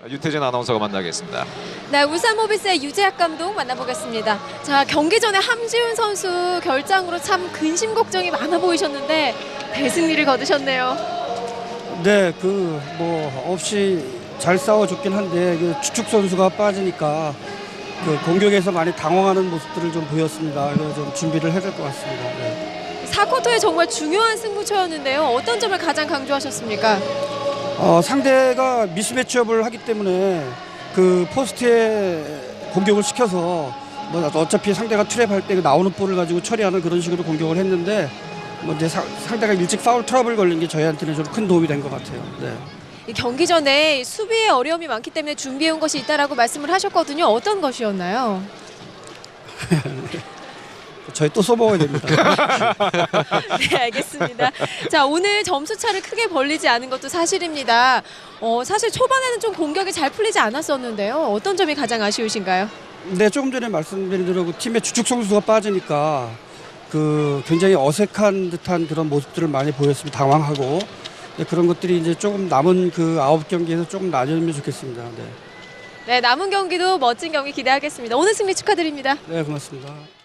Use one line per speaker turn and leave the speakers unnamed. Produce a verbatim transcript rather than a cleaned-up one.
유태진 아나운서가 만나겠습니다.
네, 울산모비스의 유재학 감독 만나보겠습니다. 자, 경기 전에 함지훈 선수 결장으로 참 근심 걱정이 많아 보이셨는데 대승리를 거두셨네요.
네, 그 뭐 없이 잘 싸워줬긴 한데 그 주축 선수가 빠지니까 그 공격에서 많이 당황하는 모습들을 좀 보였습니다. 그래서 좀 준비를 해야 될 것 같습니다. 네.
사 쿼터에 정말 중요한 승부처였는데요. 어떤 점을 가장 강조하셨습니까?
어, 상대가 미스매치업을 하기 때문에 그 포스트에 공격을 시켜서 뭐 어차피 상대가 트랩할 때 나오는 볼을 가지고 처리하는 그런 식으로 공격을 했는데 뭐 이제 사, 상대가 일찍 파울 트러블 걸린 게 저희한테는 좀 큰 도움이 된 것 같아요. 네.
이 경기 전에 수비에 어려움이 많기 때문에 준비해온 것이 있다라고 말씀을 하셨거든요. 어떤 것이었나요?
저희 또 써먹어야 됩니다.
네, 알겠습니다. 자, 오늘 점수 차를 크게 벌리지 않은 것도 사실입니다. 어, 사실 초반에는 좀 공격이 잘 풀리지 않았었는데요. 어떤 점이 가장 아쉬우신가요?
네, 조금 전에 말씀드린 대로 그 팀의 주축 선수가 빠지니까 그 굉장히 어색한 듯한 그런 모습들을 많이 보였습니다. 당황하고 네, 그런 것들이 이제 조금 남은 그 아홉 경기에서 조금 나아지면 좋겠습니다. 네.
네, 남은 경기도 멋진 경기 기대하겠습니다. 오늘 승리 축하드립니다.
네, 고맙습니다.